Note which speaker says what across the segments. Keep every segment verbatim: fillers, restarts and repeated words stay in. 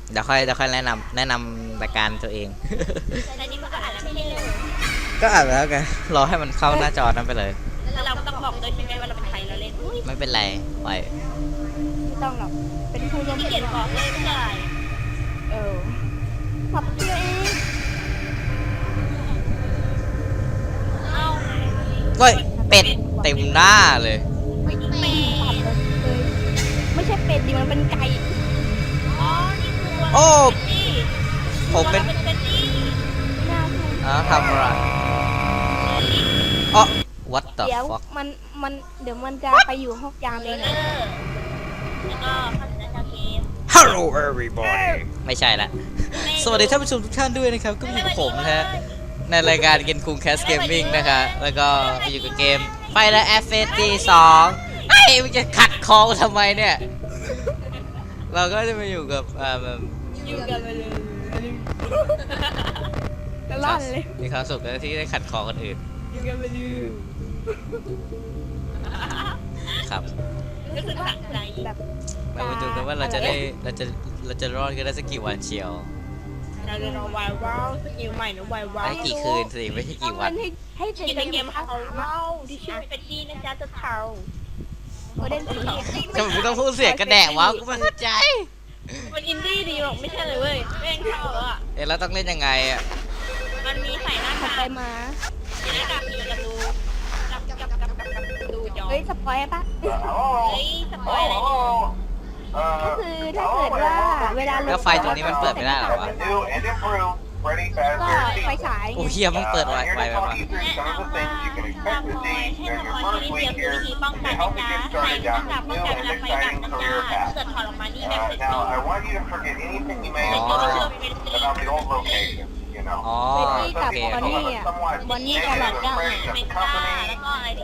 Speaker 1: เดี๋ยวค่อยเดี๋ยวค่อยแนะนำแนะนำรายการตัวเอง
Speaker 2: แต่นี่มันก็อ่านแล้วไม่ใช่เลย
Speaker 1: ก็อ่านแล้วกันรอให้มันเข้าหน้าจอนั้นไปเลย
Speaker 2: แล้วเราต้องบอกด้วยใช่ไหมว่าเราเป็นใครเราเล่นอุ้ย
Speaker 1: ไม่เป็นไรปล่อย
Speaker 3: ไม่ต้องหรอกเป็นผู้ร่วม
Speaker 2: ขี้เกียจบอกเลยไม่ได้
Speaker 3: เออขับเที่ยวเอง
Speaker 2: เอ้า
Speaker 1: เฮ้ยเป็ดเต็มหน้าเลย
Speaker 2: ไม่เป็
Speaker 3: ขับ
Speaker 2: น
Speaker 3: เลยไม่ใช่เป็ดดิมันเป็นไก่
Speaker 2: อ๋อนี่คือตัว
Speaker 1: โอ้
Speaker 2: นี่
Speaker 1: ผมเป็น
Speaker 2: ตัวราเป็นนี่
Speaker 3: หน้าคุณ
Speaker 1: อ๋อทำอะไรอ๋อ what the
Speaker 3: เดี๋ยว
Speaker 1: fuck
Speaker 3: มันมันเดี๋ยวมันจะไปอยู่ห้องยาม
Speaker 2: เล
Speaker 3: เอย ง
Speaker 2: เนอร์แล้วก็พัฒนาเกม
Speaker 1: Hello everybody ไม่ใช่ละ สวัสดีท่านผู้ชมทุกท่านด้วยนะครับ ก็อยู่กับผมนะฮะ ในรายการเกมคุงแคสเกมมิ่งนะคะแล้วก็มาอยู่กับเกมไฟและ เอฟ เอส ดี สองไอ้มันจะขัดคอทำไมเนี่ย เราก็จะมาอยู่กับอ่าแบบ
Speaker 3: อยู่กันไปเลยตลอดเลย
Speaker 1: มีความสุขนะที่ได้ขัดคอคนอื่น
Speaker 3: อยู่กันไปเลย
Speaker 1: ครับ
Speaker 2: รู้สึกสะใจ
Speaker 3: แบบ
Speaker 1: เรามาดูกันว่าเราจะได้เราจะเราจะรอดกันได้สักกี่วันเชียว
Speaker 2: เราจะรอวายว้าวสกิลใหม่นะวายว้าว
Speaker 1: ได้กี่คืนสิไม่ใช่
Speaker 3: ต้อ
Speaker 1: กี่
Speaker 3: ง
Speaker 1: วั
Speaker 3: เล่
Speaker 1: น
Speaker 3: นให้ให้เสร็จ
Speaker 2: กินในเกม
Speaker 3: ครั
Speaker 2: เขาเล่าที่ชื่อเป็นดีนะจ๊ะจะเทา
Speaker 3: โอเดนสี
Speaker 1: ทำไมมึงต้องพูดเสียงกระแดะวะกูไม่เข้าใจ
Speaker 2: มันอินดี้ดีหรอกไม่ใช่เลยเว้ยแม่งเข้าแล้วอ่ะ
Speaker 1: เอ๊ะแล้วต้องเล่นยังไงอ่ะ
Speaker 2: มันมีใส่หน้า
Speaker 3: ขับ
Speaker 2: กาก
Speaker 3: ไปมา
Speaker 2: ใส่หน้ากากอยู่กับดูกับกับกับกับกับดูจอ
Speaker 3: เฮ้ยสปอยปะ
Speaker 2: เฮ้ยสปอยอะไรเนี่ย
Speaker 3: ก็คือถ้าเกิดว่าเวลา
Speaker 1: แล้วไฟตรงนี้มันเปิดไม่ได้เหรอวะ
Speaker 3: ก็ไฟฉาย
Speaker 1: โอ้เฮียมึงเปิดไวไวไปวะ
Speaker 2: แนะนำว่าตามพอยให้สปอยที่นิดเดียวคือวิธีป้องกันนะจ๊ะใส่หน้ากากป้องกันเวลาไฟดับนะจ๊ะถ้าเกิดถอดออกมานี่แบบเป็นตัว
Speaker 4: Now, I want you to forget anything you may
Speaker 2: เป็น
Speaker 4: have
Speaker 2: ตัวที่
Speaker 4: heard
Speaker 2: ชื่อเป็น
Speaker 4: about the old location, you know.
Speaker 1: อ๋อ
Speaker 3: เฟรดดี้
Speaker 1: โอ
Speaker 3: กับ
Speaker 1: เค
Speaker 3: บอน
Speaker 1: โอเค
Speaker 3: นี่อ่ะบอนนี่กับหลอดก้า
Speaker 2: เป็นก้าแล้วก็อะไรที่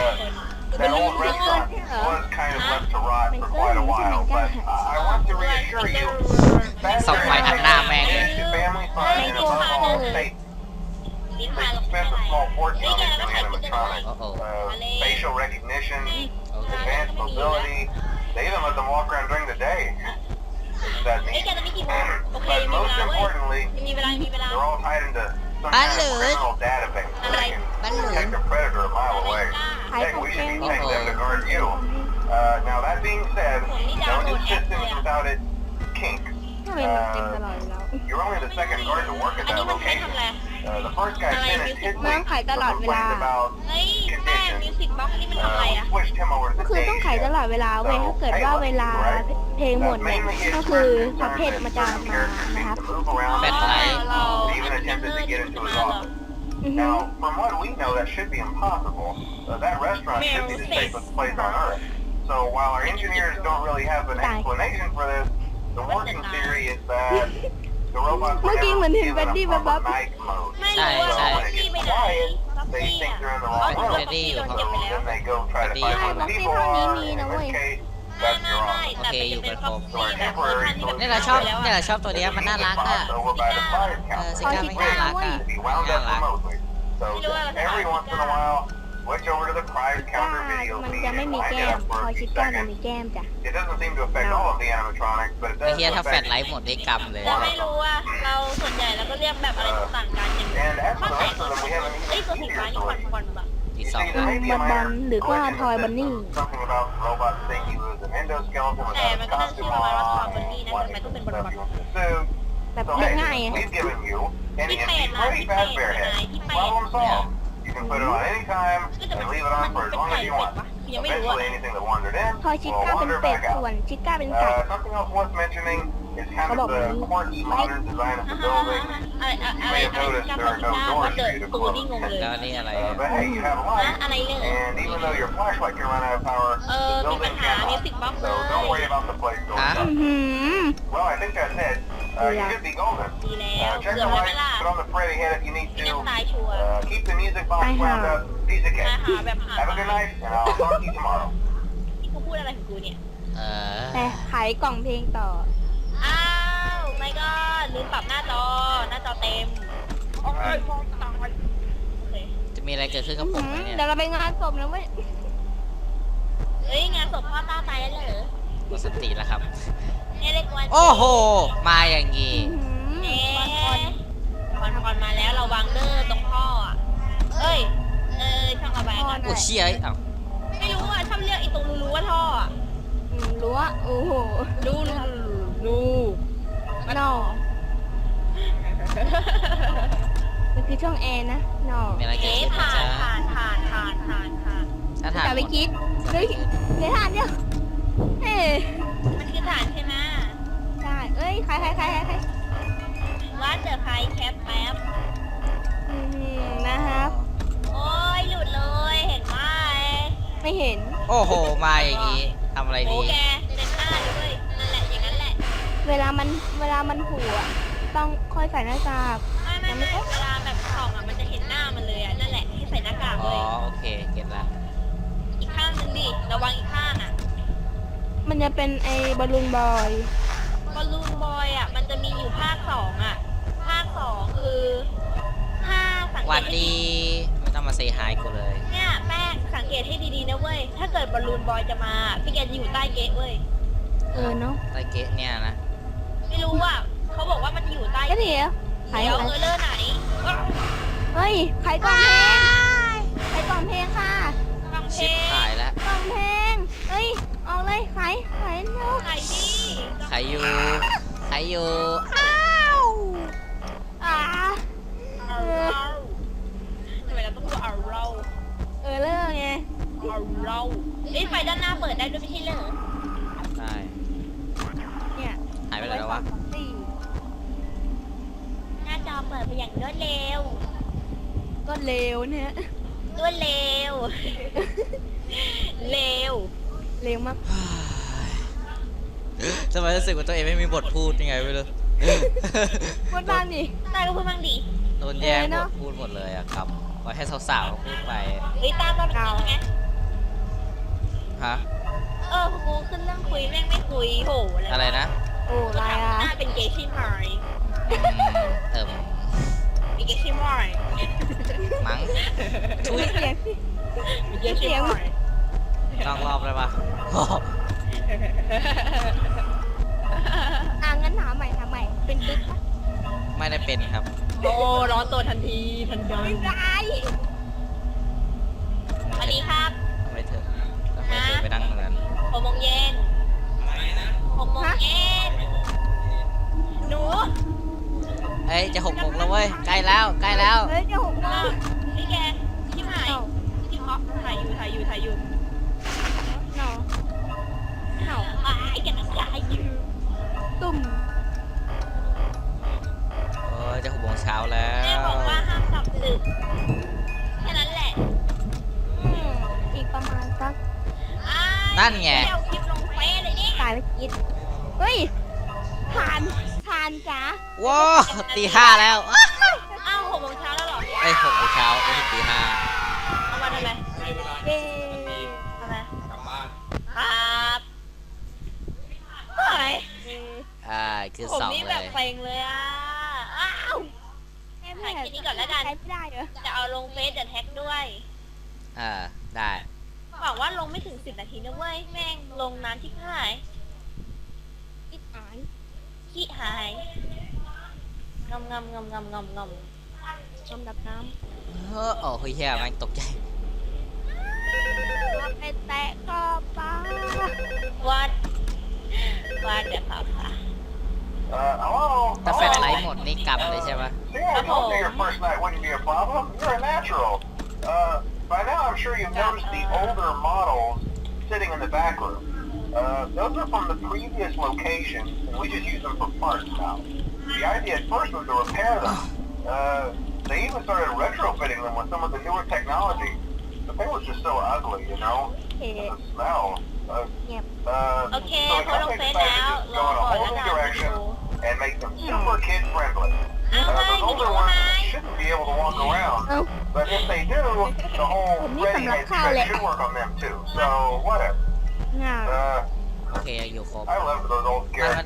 Speaker 4: That old restaurant was kind of left to rot for quite a while, but I want to reassure you, that
Speaker 1: Xong mày ăn nam
Speaker 4: area
Speaker 1: em.
Speaker 4: is family fun and above all, safe.
Speaker 2: ลิ้น
Speaker 4: They
Speaker 2: พาเราไป
Speaker 4: spent a small
Speaker 2: เฮ้ย
Speaker 4: fortune
Speaker 2: แก
Speaker 4: on
Speaker 2: แล้วก็
Speaker 4: these
Speaker 2: ใส่
Speaker 4: new
Speaker 2: ชุดกันเลย
Speaker 4: animatronics.
Speaker 1: Uh-oh.
Speaker 4: Uh, facial recognition,
Speaker 1: โอเค
Speaker 4: advanced mobility. They even let them walk around during the day. Isn't that
Speaker 2: เฮ้ย
Speaker 4: neat?
Speaker 2: แกจะไม่กี่โมงโอเค
Speaker 4: But
Speaker 2: ยังมีเว
Speaker 4: most
Speaker 2: ลาเว้ย
Speaker 4: importantly,
Speaker 2: ยังมีเวลายังมีเวลา
Speaker 4: they're all tied into some kind of criminal database. So they can detect a predator a mile away.
Speaker 3: ขาย
Speaker 4: Heck,
Speaker 3: ของ
Speaker 4: we
Speaker 3: เก
Speaker 4: should
Speaker 3: ม
Speaker 4: be taking them to guard you. Uh, now that being said, no new systems without it kink.
Speaker 3: ทำไมมันเต็มตลอดอยู่แล้ว
Speaker 4: You're only the second guard to work at
Speaker 2: อันนี้
Speaker 4: that
Speaker 2: มันใช้ทำ
Speaker 4: location.
Speaker 2: อะไร
Speaker 4: Uh, the first guy finished his
Speaker 3: น้อง
Speaker 4: week
Speaker 3: ขายตลอดเวลา
Speaker 4: complained about
Speaker 2: เฮ้ยแม่มิวสิกบ็อกนี่มันทำอะไร
Speaker 4: uh, we
Speaker 2: อ่ะ
Speaker 4: switched him over to
Speaker 3: ก็
Speaker 4: the
Speaker 3: คือ
Speaker 4: day
Speaker 3: ต้องขายตลอด
Speaker 4: shift.
Speaker 3: เวลาเว้ยถ้าเกิดว่าเวลาเพลงหมดเนี่ยก็คือพับเพจมันจะมานะครับ
Speaker 4: To move around,
Speaker 1: แบตไลท์
Speaker 4: They even attempted to get into his office.
Speaker 3: อือฮึ
Speaker 4: Now, from what we know, that should be impossible. Uh, that restaurant should be the safest place on Earth. So while our engineers don't really have an explanation for this, the working theory is that the robots were
Speaker 3: Looking when
Speaker 4: never
Speaker 3: his
Speaker 4: given
Speaker 3: body
Speaker 4: a
Speaker 3: was
Speaker 4: proper
Speaker 3: up.
Speaker 4: night mode.
Speaker 2: ไม่รู้ว่า
Speaker 1: ใช่
Speaker 2: บ็อกซี่ไปไหนบ็อก
Speaker 4: They
Speaker 2: ซี่
Speaker 4: think
Speaker 2: อ่ะ
Speaker 4: they're in the
Speaker 2: อ๋อ
Speaker 4: wrong
Speaker 2: บ็อก
Speaker 4: room.
Speaker 2: ซี่โดนเก็บไป
Speaker 4: So
Speaker 2: แล้ว
Speaker 4: then they go try to find who the people are. In this case,
Speaker 2: ไม่
Speaker 4: that's
Speaker 2: ไม่
Speaker 4: your
Speaker 2: ไม่
Speaker 4: office.
Speaker 2: แต่เป็นเป็นบ็อกซี่แบบเวอร์ชันที่แบบ
Speaker 1: เนี่ยเราชอบเนี่ยเราชอบตัวเนี้ยมันน่ารักอ่ะ
Speaker 4: Over by the fire
Speaker 1: เออ
Speaker 4: counter.
Speaker 1: ซิก้าไม่น่ารักอ่ะ
Speaker 4: To be wound
Speaker 1: น่า
Speaker 4: up
Speaker 1: รัก
Speaker 4: remotely. So every once in a while, switch over to the prize
Speaker 3: ก้า
Speaker 4: counter video
Speaker 3: มัน
Speaker 4: feed
Speaker 3: จะไม่
Speaker 4: and
Speaker 3: มี
Speaker 4: wind
Speaker 3: แก้
Speaker 4: it
Speaker 3: ม
Speaker 4: up
Speaker 3: พ
Speaker 4: for
Speaker 3: อ
Speaker 4: a
Speaker 3: ชิ
Speaker 4: few
Speaker 3: ก้ามัน
Speaker 4: seconds.
Speaker 3: มีแก้มจ้ะ
Speaker 4: It doesn't seem to affect all of the animatronics, but it
Speaker 1: ไอ้
Speaker 4: does
Speaker 1: เฮียถ้าแฟลช
Speaker 4: affect
Speaker 1: ไลท์หมดได้กำเลย
Speaker 2: เราไม่รู้ว่าเราส่วนใหญ่เราก็เรียกแบบอะไรต่างกันอย่าง
Speaker 4: And as
Speaker 2: ถ้า
Speaker 4: for the
Speaker 2: ใส่
Speaker 4: rest
Speaker 2: ตัว
Speaker 4: of them, we have an
Speaker 2: เอ้ยตัว
Speaker 4: even
Speaker 2: สีฟ้า
Speaker 4: easier
Speaker 2: นี่ควัน
Speaker 4: solution.
Speaker 2: ควันแบบ
Speaker 1: อี
Speaker 4: You
Speaker 1: สอง
Speaker 4: see, there may be a
Speaker 3: บอล
Speaker 4: minor
Speaker 3: หรือว่า
Speaker 4: glitch in
Speaker 3: ทอย
Speaker 4: the
Speaker 3: บันนี่
Speaker 4: system. Something about the robot saying he was an endoskeleton
Speaker 2: แต่
Speaker 4: without
Speaker 2: มัน
Speaker 4: a
Speaker 2: ก็ต้องชื่อ
Speaker 4: costume
Speaker 2: ประมาณว่าทอ
Speaker 4: on
Speaker 2: มบันนี่
Speaker 4: and
Speaker 2: นะ
Speaker 4: what
Speaker 2: ทำไมต้องเป็นบอล
Speaker 4: stuff
Speaker 2: บอล
Speaker 4: you want to do.
Speaker 3: แบบ
Speaker 4: So
Speaker 3: เรียก
Speaker 4: hey,
Speaker 3: ง่ายอ่ะ
Speaker 4: we've given you an
Speaker 2: ที่
Speaker 4: easy,
Speaker 2: เป็ดล่ะ
Speaker 4: pretty
Speaker 2: ที่เป็ด
Speaker 4: fast
Speaker 2: ไหน
Speaker 4: bearhead.
Speaker 2: ที่เป็ด
Speaker 4: Problem solved. You can put it on any time
Speaker 2: ก็จะ
Speaker 4: and
Speaker 2: มัน
Speaker 4: leave it on for as
Speaker 2: เป็น
Speaker 4: long
Speaker 2: ไก่
Speaker 4: as you
Speaker 2: เป็ด
Speaker 4: want.
Speaker 2: ปะยังไม่รู้อ่ะ
Speaker 4: Eventually, anything that wandered in
Speaker 3: พอชิ
Speaker 4: will
Speaker 3: ก้าเป็น
Speaker 4: wander
Speaker 3: เป็ด
Speaker 4: back
Speaker 3: ส่ว
Speaker 4: out.
Speaker 3: นชิก้าเป็นไก่
Speaker 4: Uh, something else worth mentioning is kind
Speaker 3: Có
Speaker 4: of
Speaker 3: bảo
Speaker 4: the
Speaker 3: mình-
Speaker 4: quirky modern design of the building.
Speaker 2: อะไรอะไรอะไรที่การพิจารณาว่าเกิดตูนี่งงเลย
Speaker 1: แล้วนี่อะไร
Speaker 4: Uh,
Speaker 1: อ่ะ
Speaker 4: but hey, you have
Speaker 2: นะ
Speaker 4: light.
Speaker 2: อะไรเลย
Speaker 4: And even though your flashlight can run out of power,
Speaker 2: เออ
Speaker 4: the
Speaker 2: มีปัญ
Speaker 4: building
Speaker 2: หา
Speaker 4: cannot.
Speaker 2: มิวสิกบ็อกเล
Speaker 4: So
Speaker 2: ย
Speaker 4: don't worry about the place going
Speaker 1: Hả?
Speaker 4: up.
Speaker 3: อือหือ
Speaker 4: Well, I think that's it. Uh, you
Speaker 3: Yeah.
Speaker 4: should be golden.
Speaker 2: ดีแล้ว
Speaker 4: Uh, check
Speaker 2: เกือ
Speaker 4: the
Speaker 2: บแล้วไหม
Speaker 4: lights,
Speaker 2: ล่ะ
Speaker 4: put on the Freddy head if you need
Speaker 2: ไม่งั้น
Speaker 4: to.
Speaker 2: ตายชัวร์
Speaker 4: Uh, keep the music box
Speaker 3: I
Speaker 4: wound
Speaker 3: have.
Speaker 4: up. Piece of
Speaker 2: ตาย
Speaker 4: cake.
Speaker 2: หาแบบหา
Speaker 4: Have a good night, and I'll talk to you tomorrow.
Speaker 2: ที่กูพูดอะไรของกูเนี่ย
Speaker 1: เออ
Speaker 3: แต่ขายกล่องเพลงต่อ
Speaker 2: อ้าวไม่ก็ลืมปรับหน้าจอหน้าจอเต็มโอ้ยมองตายโอเค
Speaker 1: จะมีอะไรเกิดขึ้นกับผมไหมเนี่ย
Speaker 3: เดี๋ยวเราไปงานศพนะเว้ย
Speaker 2: เฮ้ยงานศพพ่อต้าตายแล้วเหรอ
Speaker 1: หมดสติแล้วครับ
Speaker 2: เนี่ยเรียกวัน
Speaker 1: โอ้โห มาอย่างงี้
Speaker 3: อื้อหือ
Speaker 2: เอ๊ะคอนคอนมาแล้วเราวางเดอร์ตรงท่ออ่ะเอ้ยเอ้ยช่างระบายกัน
Speaker 1: โอ้เชี่ยเอ้า
Speaker 2: ไม่รู้อ่ะชอบเรียกไอ้ตรงรูๆว่าท่ออ่ะ
Speaker 3: อืมรั้วโอ้โห
Speaker 2: รูรู
Speaker 3: นอมันคือช่องแอร์นะนอ
Speaker 1: มีอะไรเกิด
Speaker 2: เอ๊ะ
Speaker 1: ขึ้นนะ
Speaker 2: ผ่าน
Speaker 1: จ๊ะ
Speaker 2: ผ่านผ่านผ่านผ่านผ่าน
Speaker 1: ถ้าถาม
Speaker 3: อย่าไปคิดเฮ้ยเดี๋ยวทานเนี่ยเอ้ย
Speaker 2: มันคือฐานใช่ไหม
Speaker 3: ใช่เอ้ยใครใครใครใครใคร
Speaker 2: ว่าเจอใครแคปแป๊บ
Speaker 3: อืมนะครับ
Speaker 2: โอ้ยหลุดเลยเห็นไหม
Speaker 3: ไม่เห็น
Speaker 1: โอ้โห มาอย่างงี้ทำอะไร
Speaker 2: โอ้
Speaker 1: ดี
Speaker 2: แกเต็มหน้าเลยเว้ยนั่นแหละอย่างนั้นแหละ
Speaker 3: เวลามันเวลามันหูอะต้องค่อยใส่หน้ากาก
Speaker 2: ไม่ไม่ไม่เวลาแบบส่องอ่ะมันจะเห็นหน้ามันเลยอ่ะนั่นแหละให้ใส่หน้ากาก
Speaker 1: อ๋
Speaker 2: เล
Speaker 1: อ
Speaker 2: ย
Speaker 1: โอเค เก็ตละ
Speaker 2: อีกข้างหนึงดิระวังอีกข้างอ่ะ
Speaker 3: มันจะเป็นไอ้บอลลูนบอย
Speaker 2: บอลลูนบอยอ่ะมันจะมีอยู่ภาคสองอ่ะภาคสองคือถ้าสัง
Speaker 1: ห
Speaker 2: เก
Speaker 1: วั
Speaker 2: ต
Speaker 1: ด
Speaker 2: ให้
Speaker 1: ดี ไม่ต้องมาเซฮายกูเลย
Speaker 2: เนี่ยแป้งสังเกตให้ดีๆนะเว้ยถ้าเกิดบอลลูนบอยจะมาพี่แกจะอยู่ใต้เกตเว้ย
Speaker 3: เออเนาะ
Speaker 1: ใต้เกตเนี่ยนะ
Speaker 2: ไม่รู้อ่ะเขาบอกว่ามันจะอยู่ใต้
Speaker 3: ก็
Speaker 2: เก
Speaker 3: เดี๋
Speaker 2: ต
Speaker 3: ยวใคร
Speaker 2: เดี๋ยว
Speaker 3: อะไร
Speaker 2: เออเลอร์ไหนว้าว
Speaker 3: เฮ้ยใครกล่องเพลงใครกล่องเพลงค่ะ
Speaker 2: ฟังเพล
Speaker 1: ชิป
Speaker 2: ง
Speaker 1: หายแล้ว
Speaker 3: กล่องเพลงเฮ้ยออกเลยขายขายเนาะ
Speaker 2: ไหนดิ
Speaker 1: ใครอยู่ใครอยู่
Speaker 3: อ่า
Speaker 2: เอาเราทำไมเราต้องพูดเอาเรา
Speaker 3: เออเลิกไง
Speaker 2: เอาเราเอ้ยไฟด้านหน้าเปิดได้ด้วยไม่ใช่เหรอ
Speaker 1: ใช่
Speaker 3: เนี่ย
Speaker 1: หายไปไหนแล้ววะ
Speaker 3: สี่
Speaker 2: หน้าจอเปิดไปอย่างรวดเร็ว
Speaker 3: ก็เร็วเนี่ย
Speaker 2: รวดเร็ว เร็ว
Speaker 3: เร็วมาก
Speaker 1: ทำไมรู้สึกว่าตัวเองไม่มีบทพูดยังไงไม่รู้
Speaker 3: พูดบ้างดิ
Speaker 2: ตาก็พูดบ้างดิ
Speaker 1: โดนแย่ง
Speaker 3: เออเน
Speaker 1: บ
Speaker 3: อะ
Speaker 1: ทพูดหมดเลยอะครับปล่อยให้สาวๆพูดไป
Speaker 2: เฮ้ยตาตอนนี้ไง
Speaker 1: ฮะ
Speaker 2: เออกูขึ้นเรื่องคุยแม่งไม่คุยโห
Speaker 1: อะไรนะ
Speaker 3: โอ้
Speaker 2: ก็
Speaker 3: ลาย
Speaker 2: ถาม
Speaker 3: อ่ะ
Speaker 2: หน้าเป็นเกย์ใช่ไหม
Speaker 1: อืมเติม
Speaker 2: เป็นเกย์ใช่ไหม
Speaker 1: มั้ง
Speaker 3: ทุยเสียง
Speaker 2: เป็นเกย์ใช่ไหม
Speaker 1: ลองรอบเลยปะ
Speaker 3: อ่ะงั้นถามใหม่ถามใหม่เป็นตึ๊กปะ
Speaker 1: ไม่ได้เป็นครับ
Speaker 2: โอ้ร้อนตัวทันทีทันใด
Speaker 3: ไม่ได้
Speaker 2: สวัสดีครับ
Speaker 1: ทำไมเธอทำไมเธอไปนั่งตรงนั้น
Speaker 2: หกโมงเย็นหกโมงเย็นหนู
Speaker 1: เอ้ยจะหกโมงแล้วเว้ยใกล้แล้วใกล้แล้ว
Speaker 3: เฮ้ยจะหกโม
Speaker 2: อ้าง วพี่แกที่หาย
Speaker 3: เอ้า
Speaker 2: ที่เพาะถ่ายอยู่ถ่ายอยู่ถ่ายอยู่
Speaker 3: เนาะเอ้า
Speaker 2: อ้ายแกนักถ่ายอยู่
Speaker 3: ตุ่ม
Speaker 1: โอ้ยจะหกโมงเช้าแล้ว
Speaker 2: แม่บอกว่าห้ามกลับดึกแค่นั้นแหละ
Speaker 3: อืมอีกประมาณสัก
Speaker 2: อ้าย
Speaker 1: นั่นไง
Speaker 2: เดี๋ยวคลิปลงเฟซเลยเนี่ย
Speaker 3: ตายไปกิดเฮ้ยทานทานจ้า
Speaker 1: ว้าวตีห้าแล้ว
Speaker 2: อ้าวหกโมงเช้าแล้วเหรอ
Speaker 1: ไอ้ยหกโมงเช้าไม่ใช่ตีห้า
Speaker 2: เอามาทำไม
Speaker 3: เย้
Speaker 2: ทำไมครับเฮ้ย
Speaker 1: อ่าคือ
Speaker 2: ผม
Speaker 1: สอง
Speaker 2: นี่
Speaker 1: เล
Speaker 2: แบบ
Speaker 1: ย
Speaker 2: เซ็งเลยอ่ะ อ้าว
Speaker 3: แม่
Speaker 2: ถ่ายคลิปนี้ก่อนแล้วกัน
Speaker 3: ใช้ไม่ได้เหรอ
Speaker 2: จะเอาลงเฟซเดี๋ยวแท็กด้วย
Speaker 1: อ่าได้
Speaker 2: บอกว่าลงไม่ถึงสิบนาทีนะเว้ย แม่งลงนานที่หาย
Speaker 3: อิดอาย
Speaker 2: ขี้หายงำงำงำงำงำง
Speaker 3: ลำดับน้
Speaker 1: เฮ้อโอ้เฮ้ยแย่แม่งตกใจ
Speaker 3: ำไปแตะก็ป้า
Speaker 2: ำวัดวัดเดี๋ยวครับค่ะ
Speaker 4: Uh, hello?
Speaker 1: ถ้าแฟลชไล
Speaker 4: Hello?
Speaker 1: ท์หมดนี่กำเลยใช่ปะ
Speaker 4: See, I told you your first night wouldn't be a problem. You're a natural. Uh, by now I'm sure you've noticed the older models sitting in the back room. Uh, those are from the previous location, and we just use them for parts now. The idea at first was to repair them. Uh, they even started retrofitting them with some of the newer technology, but they were just so ugly, you know?
Speaker 3: เอ๊ะ
Speaker 4: The smell. Uh,
Speaker 3: เงียบ
Speaker 4: uh,
Speaker 2: โอเค
Speaker 4: so the
Speaker 2: เขาลง
Speaker 4: company
Speaker 2: เฟซ
Speaker 4: decided
Speaker 2: แล้ว
Speaker 4: to
Speaker 2: ร
Speaker 4: just
Speaker 2: อ
Speaker 4: go in a
Speaker 2: ก่อน
Speaker 4: whole
Speaker 2: แล้ว
Speaker 4: new
Speaker 2: กัน
Speaker 4: direction
Speaker 2: ดู
Speaker 4: and make them super kid friendly.
Speaker 2: อ้าว
Speaker 4: Uh,
Speaker 2: ไง
Speaker 4: those
Speaker 2: พี่
Speaker 4: older
Speaker 2: ดู
Speaker 4: ones
Speaker 2: ไง
Speaker 4: shouldn't be able to walk around,
Speaker 3: เอ้า
Speaker 4: but if they do, the whole
Speaker 3: ผมนี่
Speaker 4: ready
Speaker 3: สำหรับ
Speaker 4: head
Speaker 3: ข้าว
Speaker 4: trick
Speaker 3: แหละ
Speaker 4: should work on them too. So whatever.
Speaker 3: งา
Speaker 4: Uh,
Speaker 1: โอเคยังอยู่ครบ
Speaker 4: I loved those old
Speaker 1: มันมัน
Speaker 4: Garrett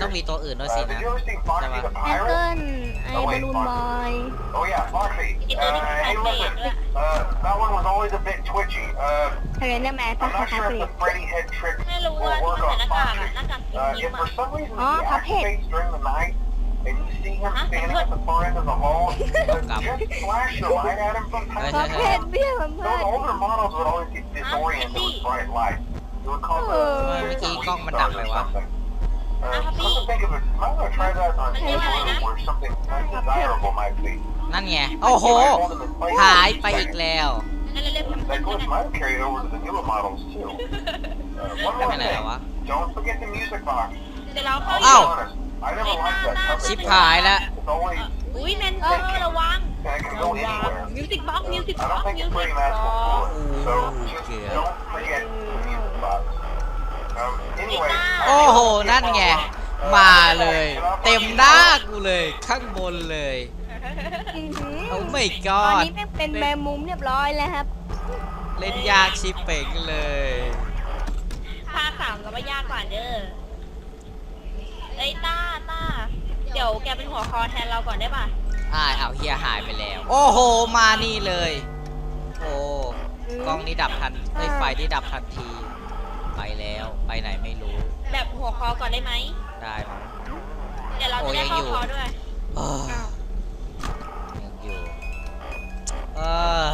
Speaker 1: ต้องมีตัวอื่นด้วยสิ
Speaker 4: Uh,
Speaker 1: นะ
Speaker 4: did you ever see Foxy the
Speaker 3: แอปเปิ
Speaker 4: Pirate?
Speaker 3: ลไอ้บอลลูนบอย
Speaker 4: Oh yeah, Foxy.
Speaker 2: อีก
Speaker 4: Uh,
Speaker 2: ตัวที่เป็นแฟ
Speaker 4: hey,
Speaker 2: นเพจ
Speaker 4: listen.
Speaker 2: ด้วย
Speaker 4: Uh, that one was always a bit twitchy. Uh,
Speaker 3: เทรนเนอร์แมนปะ
Speaker 4: I'm
Speaker 3: ค
Speaker 4: not
Speaker 3: ล้าย
Speaker 4: sure
Speaker 3: ๆ
Speaker 4: if
Speaker 3: เปลี่ย
Speaker 4: the
Speaker 3: น
Speaker 4: Freddy head trick
Speaker 2: ไม่รู้
Speaker 4: will
Speaker 2: ว่าที่
Speaker 4: work
Speaker 2: มันใส่ห
Speaker 4: on
Speaker 2: น้ากากอะ
Speaker 4: Foxy.
Speaker 2: หน้ากากกิน
Speaker 4: Uh,
Speaker 2: ยิ้ม
Speaker 4: if
Speaker 2: อะ
Speaker 4: for some reason
Speaker 3: Oh,
Speaker 4: he
Speaker 3: Cuphead.
Speaker 4: activates during the night and you see him
Speaker 2: Huh?
Speaker 4: standing at the far end of the hall, uh,
Speaker 1: Cuphead.
Speaker 4: just flash your light at him from time
Speaker 3: คอ
Speaker 4: to
Speaker 3: เพจ
Speaker 4: time.
Speaker 3: เบี้ยสัมภา
Speaker 4: Those
Speaker 3: ษณ์
Speaker 4: older models would always get disoriented with bright light. It would cause
Speaker 3: Oh.
Speaker 4: a
Speaker 1: Maybe
Speaker 4: a
Speaker 1: kong
Speaker 4: restart
Speaker 1: mendak
Speaker 4: or
Speaker 1: lewat.
Speaker 4: something. Uh,
Speaker 2: Ah,
Speaker 4: come
Speaker 2: tapi-
Speaker 4: to think of it, I'm gonna try that on
Speaker 2: Tapi
Speaker 4: this
Speaker 2: apa
Speaker 4: room
Speaker 2: ya?
Speaker 4: where something undesirable might be.
Speaker 1: นั่นไง โอ้โห หายไปอีกแล้ว
Speaker 2: นั่นเรียกแฟน
Speaker 4: That
Speaker 2: เพจ
Speaker 4: glitch might have carried over to the newer models too. Uh, one
Speaker 1: ไป
Speaker 4: more
Speaker 1: ไหนแล้ว
Speaker 4: thing,
Speaker 1: วะ
Speaker 4: don't forget the music box.
Speaker 2: เดี๋ยวเราเข้า
Speaker 4: I'll
Speaker 1: อ้าว
Speaker 4: be honest, I never liked that cover.
Speaker 1: ชิบหายแล้ว
Speaker 4: It's always,
Speaker 2: อุ้ยแมนเตอร์ระวัง
Speaker 4: and it can
Speaker 2: ระ
Speaker 4: go
Speaker 2: วัง
Speaker 4: anywhere.
Speaker 2: มิวสิกบ็อกซ์มิวสิก
Speaker 4: I
Speaker 2: บ็อก
Speaker 4: don't
Speaker 2: ซ์
Speaker 4: think
Speaker 2: มิว
Speaker 4: it's
Speaker 2: สิก
Speaker 4: pretty
Speaker 2: บ็อก
Speaker 4: magical
Speaker 2: ซ์
Speaker 4: for it. So
Speaker 1: Oh,
Speaker 4: just
Speaker 1: dear.
Speaker 4: don't forget the music box. Um, anyway,
Speaker 1: โอ้โห นั่นไง มาเลย เต็มหน้ากูเลย ข้างบนเลย
Speaker 3: อื้อหือ
Speaker 1: โอ้ไม่ก
Speaker 3: ตอ
Speaker 1: อน ด
Speaker 3: นี้แม่งเป็นแมงมุมเรียบร้อยแล้วครับ
Speaker 1: เล่นยากชิปเป่งเลย
Speaker 2: ภาคสามเราไม่ยากกว่าเด้อเอ้ยต้าต้าเดี๋ยวแกเป็นหัวคอแทนเราก่อนได้ป่ะ
Speaker 1: อ่าเอาเฮียหายไปแล้ว โอ้โห มานี่เลย โอ้กล้องนี่ดับทันไอ้ยไฟนี่ดับทันที ไปแล้ว ไปไหนไม่รู้
Speaker 2: แบบหัวคอก่อนได้ไหม
Speaker 1: ได้มั้ง
Speaker 2: เดี๋ยวเราจะได้
Speaker 1: โอ้ยัง
Speaker 2: เข้า
Speaker 1: อยู่
Speaker 2: คอด้วย
Speaker 1: เออยังอยู่เออ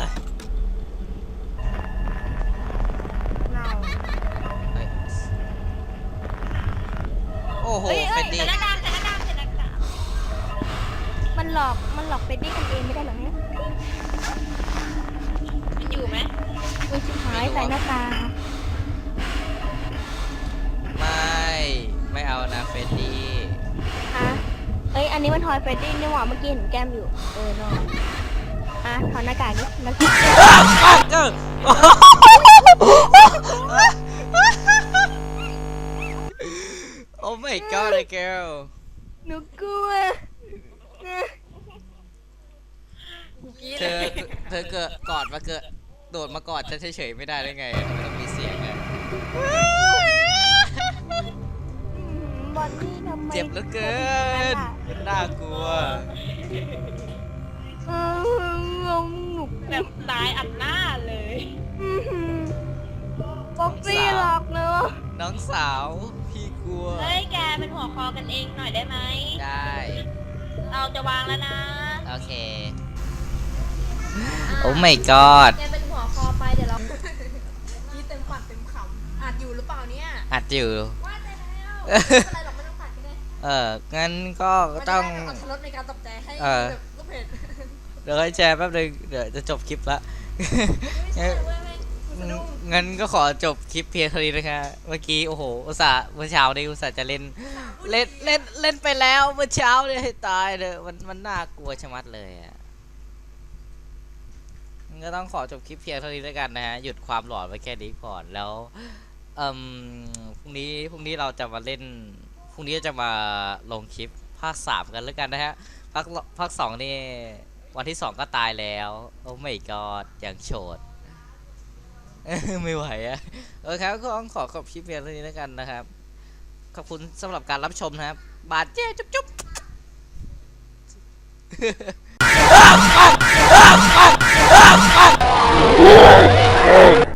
Speaker 1: เฮ้ยโอ้โห
Speaker 3: เฮ้ยเฮ้
Speaker 1: เฟ
Speaker 3: ย
Speaker 1: ดดี้
Speaker 2: ใส่หน้ากากใส่หน้ากากใส่หน้ากาก
Speaker 3: มันหลอกมันหลอกเป็นดี้กันเองไม่ได้หรอเนี่ย
Speaker 2: มันอยู่ไหม
Speaker 3: อุ้ยชิบหายใส่หน้ากาก
Speaker 1: ไม่ ไม่เอานะเฟดดี้
Speaker 3: อ่ะเอ้ยอันนี้มันทอยเฟรดดี้นี่หว่าเมื่อกี้เห็นแก้มอยู่เออเนอะอ่ะถอดหน้ากากนี่หน้ากาก
Speaker 1: เออโอ้ my god girl
Speaker 3: หนูกลัว
Speaker 1: เธอเธอเกิดกอดมาเกิดโดดมากอดฉันเฉยๆไม่ได้ได้ไงทำไมต้องมีเสียงอะ
Speaker 3: บอลนี่ทำไม
Speaker 1: เจ็บเหลือเกินน่ากลัว
Speaker 3: เอองงหนุก
Speaker 2: แบบตายอัดหน้าเลย
Speaker 3: บ็อกซี่หลอกเนอะ
Speaker 1: น้องสาวพี่กลัว
Speaker 2: เฮ้ยแกเป็นหัวคอกันเองหน่อยได้ไหม
Speaker 1: ได้
Speaker 2: เราจะวางแล้วนะ
Speaker 1: โอเค โอ้ my god
Speaker 5: แกเป็นหัวคอไปเดี๋ยวเรา ยี่เต็มปากเต็มคำอาจอยู่หรือเปล่าเนี่ย
Speaker 1: อัดอยู่
Speaker 5: ว่าใจแล้วไม่เป็นไรหรอกไม่ต้องตัดก็ได้
Speaker 1: เออ งั้นก็
Speaker 5: มันจะ
Speaker 1: ต้อง
Speaker 5: ได้แบบอัตรสในการตกใจให้
Speaker 1: เออ
Speaker 5: แบบลูกเพจ
Speaker 1: เดี๋ยวให้แชร์แป๊บนึงเดี๋ยวจะจบคลิปละ
Speaker 5: ไม่ใช่เว้ยแม่งกูสะดุ้ง
Speaker 1: งั้นก็ขอจบคลิปเพียงเท่านี้นะคะ เมื่อกี้โอ้โห อุตส่าห์เมื่อเช้านี้อุตส่าห์จะเล่น เล่นเล่นเล่นไปแล้วเมื่อเช้าเนี่ยให้ตายเลยมันมันน่ากลัวชะมัดเลยอ่ะงั้นก็ต้องขอจบคลิปเพียงเท่านี้แล้วกันนะฮะ หยุดความหลอนไว้แค่นี้ก่อนแล้วเอ่มพรุ่งนี้พรุ่งนี้เราจะมาเล่นพรุ่งนี้จะมาลงคลิปภาคสามกันแล้วกันนะฮะภาคภาคสองนี่วันที่สองก็ตายแล้วโอ้ไม่กอดอย่างโฉด ไม่ไหวอะโอเคครับก็ต้องขอขอบคลิปเพียงเท่านี้แล้วกันนะครับ ขอบคุณสำหรับการรับชมนะครับ บาดเจ็บจุ๊บจุ๊บ